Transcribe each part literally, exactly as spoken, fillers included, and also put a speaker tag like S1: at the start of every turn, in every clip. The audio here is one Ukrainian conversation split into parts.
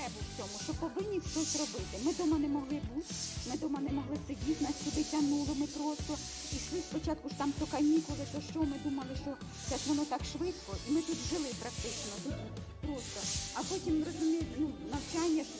S1: потребу в цьому, що повинні щось робити. Ми вдома не могли бути, ми вдома не могли сидіти, нас сюди тягнуло, ми просто йшли спочатку ж там то канікули, то що, ми думали, що це ж воно так швидко, і ми тут жили практично, тут просто. А потім, розумієте, ну, навчання ж,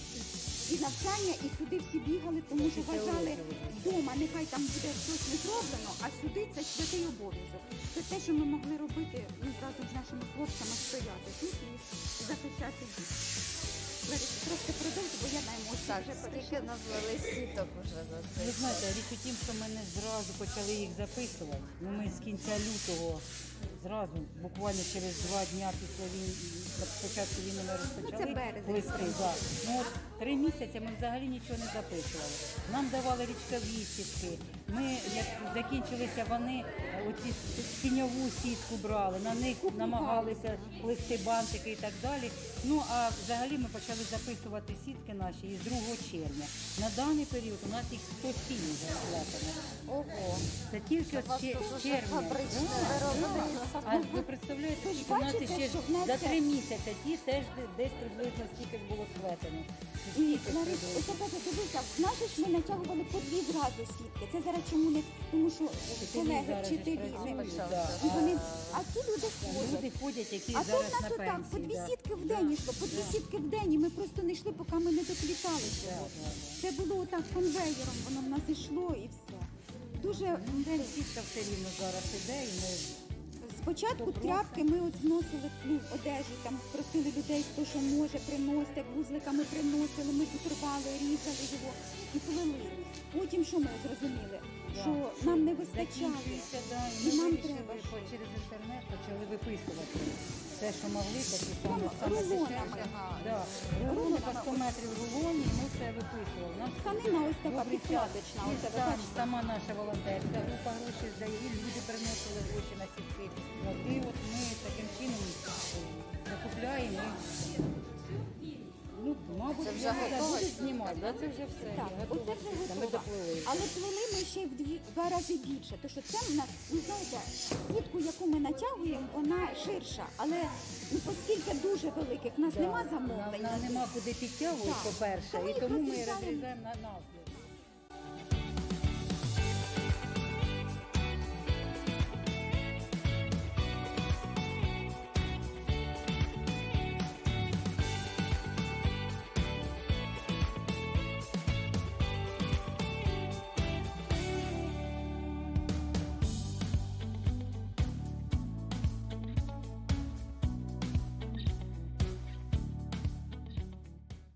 S1: і навчання, і сюди всі бігали, тому що вважали вдома, нехай там буде щось не зроблено, а сюди це святий обов'язок. Це те, що ми могли робити, ну, разом з нашими хлопцями, стояти тут і захищати їх. Лариса, трошки продовжу, бо я на емоції
S2: Так,
S1: вже
S2: скільки
S1: перейшла.
S2: назвали сіток вже за цей
S3: Ви знаєте,
S2: час?
S3: річ у тім, що ми не зразу почали їх записувати. Ну, ми з кінця лютого зразу, буквально через два дні після війни, спочатку війни ми розпочали.
S1: Ну, це березень.
S3: листи, да. Ну, от три місяці ми взагалі нічого не записували. Нам давали річкові сітки. Ми, як закінчилися вони, оці тіньову сітку брали, на них намагалися плести бантики і так далі. Ну, а взагалі ми почали записувати сітки наші із другого червня. На даний період у нас їх сто сім вже сплетено.
S2: Ого.
S3: Це тільки
S2: У вас
S3: з чер-
S2: тут уже
S3: червня.
S2: фабричне
S3: Да,
S2: виробництво.
S3: да. А ви представляєте,
S1: Ви ж
S3: що у нас
S1: бачите,
S3: ще
S1: що в нас
S3: за
S1: це-
S3: три місяці ті теж десь приблизно стільки ж було сплетено.
S1: І,
S3: Стільки
S1: Ларис,
S3: приблизно.
S1: ось опять дивися, наші ж ми натягували по дві зразу сітки. Це зараз чому не, тому що
S3: Вчителі
S1: колеги,
S3: зараз же
S1: вчителі,
S3: працюють,
S1: не-
S3: да.
S1: і вони, а ті люди ходять.
S3: Люди ходять, які
S1: А то в
S3: зараз
S1: нас
S3: на
S1: отак, по
S3: пенсії.
S1: дві
S3: да.
S1: сітки в день йшло, по дві
S3: Да.
S1: сітки в день, і ми просто не йшли, поки ми не доплітали
S3: Да,
S1: цього.
S3: да, да.
S1: Це було отак конвейером, воно в нас йшло і все. Дуже
S3: Ну, сітка все рівно зараз іде, і ми
S1: спочатку
S3: То просто.
S1: тряпки ми от зносили, ну, одежу, там просили людей, хто що може приносити, вузликами приносили, ми тут рвали, різали його і плели. Потім що ми зрозуміли?
S3: Да.
S1: Що нам не вистачає.
S3: закінчується, да, і
S1: І
S3: ми
S1: нам
S3: вирішили
S1: треба
S3: по-
S1: щось.
S3: через інтернет почали виписувати те, що могли, такі саме
S1: Ну,
S3: саме
S1: рулонами.
S3: дешевше. Да. Рулони по сто метрів рулоні, і ми все виписували. Нам
S1: Тканина ось така
S3: добрий час.
S1: підкладочна,
S3: І
S1: оце ви
S3: сам-
S1: бачите?
S3: сама наша волонтерська група гроші здає, і люди приносили гроші на сітки. От, і от ми таким чином е, закупляємо. і, Ну, мабуть,
S2: Це вже
S3: я не
S2: готове?
S3: буду знімати, да? Це вже все.
S1: Так,
S3: готово.
S1: оце вже
S3: Ми
S1: готово.
S3: доплили.
S1: Але плели ми ще й в дві два рази більше. Тому що це в нас, ви знаєте, сітку, яку ми натягуємо, вона ширша. Але ну, оскільки дуже великих, в нас
S3: Да.
S1: нема
S3: Нам,
S1: замовлень.
S3: нам нема куди підтягувати,
S1: Так.
S3: по-перше,
S1: Тому
S3: і
S1: їх
S3: тому ми
S1: розрізаємо.
S3: розрізаємо на навпіл.